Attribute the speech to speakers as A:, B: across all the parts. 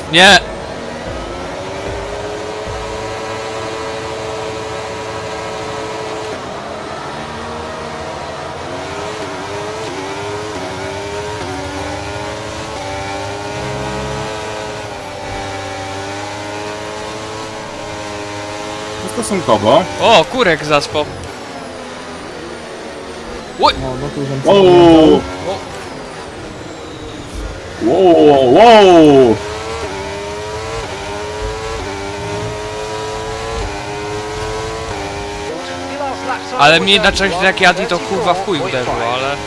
A: Nie!
B: Stosunkowo.
A: O, kurek zaspał. Oj!
C: No, no tu urząd.
B: Wow!
A: O,
B: Wow! Wow!
A: ale mnie na czegoś jak jadli to kurwa w chuj uderzyło, ale...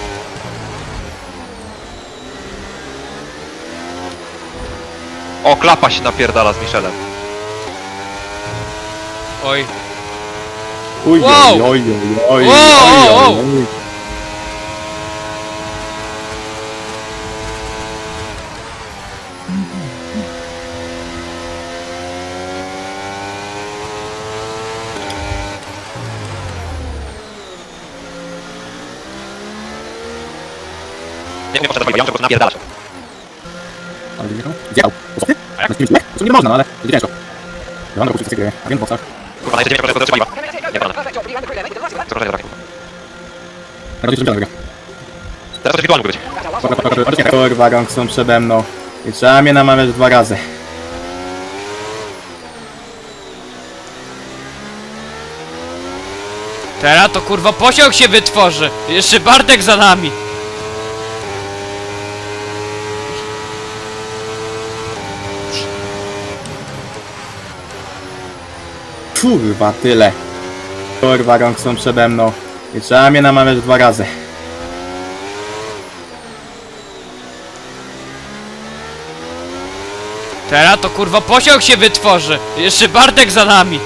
D: O, klapa się napierdala z Michelem.
A: Oj.
B: Oj,
A: Wow!
B: oj, oj, oj,
A: Wow,
B: oj,
A: wow,
B: oj, oj.
D: Nie wiem, ja muszę napierdalać.
B: Ale nie zjadł. Co ty? Na kimś nie? To nie można, no ale będzie ciężko. Ja mam do wszystkie gry, a wiem w boksach.
D: Kurwa, na 9% trzeba. Nie pana. Co proszę, tak.
B: Raczej czempiona wygra.
D: Teraz to wirtualny mógł być.
B: Kurwa, rąk są przede mną. I trzeba mnie namawiać 2 razy.
A: Teraz to kurwa pociąg się wytworzy! Jeszcze Bartek za nami!
B: Kurwa, tyle. Kurwa, rąk są przede mną. I trzeba mnie namawiać 2 razy.
A: Teraz to kurwa pociąg się wytworzy! Jeszcze Bartek za nami!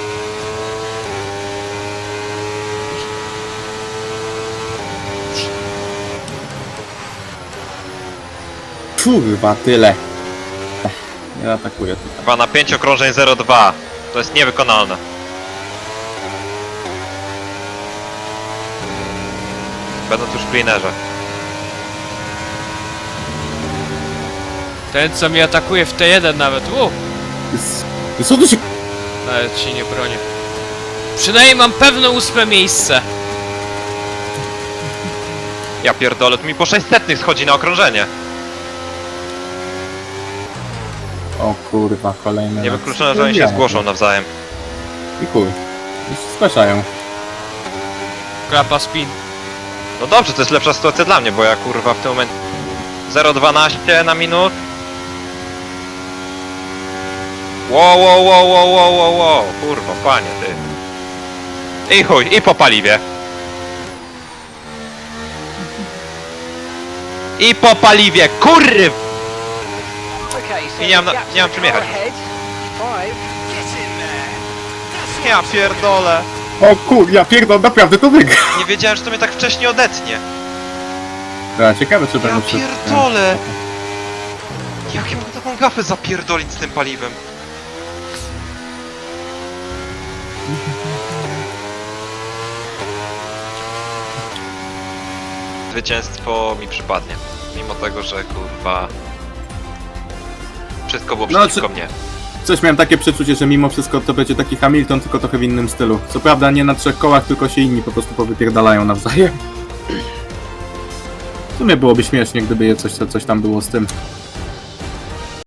B: Kurwa, tyle. Nie atakuję tutaj.
D: Chyba na 5 okrążeń 0,2. To jest niewykonalne. Będąc już w cleanerze.
A: Ten co mnie atakuje w T1 nawet,
B: Co tu się...
A: nawet się nie bronię. Przynajmniej mam pewne 8 miejsce.
D: Ja pierdolę, tu mi po 600 schodzi na okrążenie.
B: O kurwa, kolejne...
D: Niewykluczone, że oni się zgłoszą nawzajem.
B: I chuj. Już zgłaszają.
A: Klapa spin.
D: No dobrze, to jest lepsza sytuacja dla mnie, bo ja kurwa w tym momencie 0,12 na minut. Wow, kurwa, panie ty. I chuj, i po paliwie. I po paliwie, kurw! I nie mam czym jechać. Ja pierdolę.
B: O kur... ja pierdolę, naprawdę to wygra.
D: Nie wiedziałem, że to mnie tak wcześnie odetnie.
B: Dobra, ciekawe czy
D: Ja
B: będę przed...
D: pierdolę! Jak ja mam taką gafę zapierdolić z tym paliwem? Zwycięstwo mi przypadnie. Mimo tego, że kurwa... Wszystko było
B: No,
D: przeciwko mnie.
B: Coś miałem takie przeczucie, że mimo wszystko to będzie taki Hamilton, tylko trochę w innym stylu. Co prawda nie na 3 kołach, tylko się inni po prostu powypierdalają nawzajem. W sumie byłoby śmiesznie, gdyby coś tam było z tym.